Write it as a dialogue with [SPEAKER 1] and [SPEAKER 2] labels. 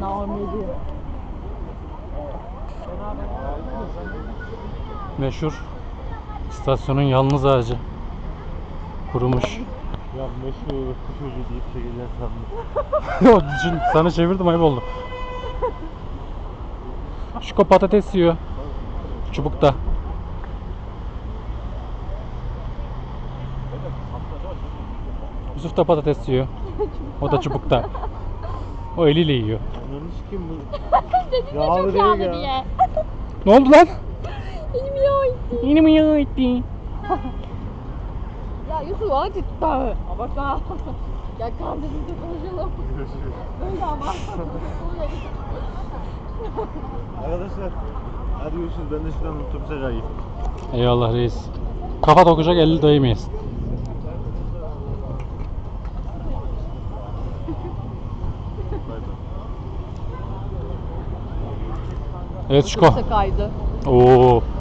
[SPEAKER 1] Naumiydi.
[SPEAKER 2] Meşhur istasyonun yalnız ağacı. Kurumuş.
[SPEAKER 3] Ya meşhur kuş ucu deyip çekeceğiz sandım.
[SPEAKER 2] Sana çevirdim, ayıp oldu. Şuko patates yiyor. Çubukta. Yusuf da patates yiyor. O da çubukta. O eliyle yiyor.
[SPEAKER 3] Ananı sikeyim bu.
[SPEAKER 1] Dedin ya
[SPEAKER 3] Yağlı
[SPEAKER 1] çok
[SPEAKER 3] değil
[SPEAKER 1] yağlı
[SPEAKER 3] ya.
[SPEAKER 1] diye.
[SPEAKER 2] Ne oldu lan?
[SPEAKER 1] Elim yağ itti.
[SPEAKER 2] Yine mi yağ etti?
[SPEAKER 1] Ya Yusuf acıttı. Abartma. Gel kardeşimle konuşalım.
[SPEAKER 3] Görüşürüz.
[SPEAKER 1] Öyle ama.
[SPEAKER 3] Arkadaşlar hadi görüşürüz. Ben de şuradan otobüse kayayım.
[SPEAKER 2] Eyvallah reis. Kafa dokacak, elli dayamayız. Evet Şuko.
[SPEAKER 1] Kaydı.
[SPEAKER 2] Oo.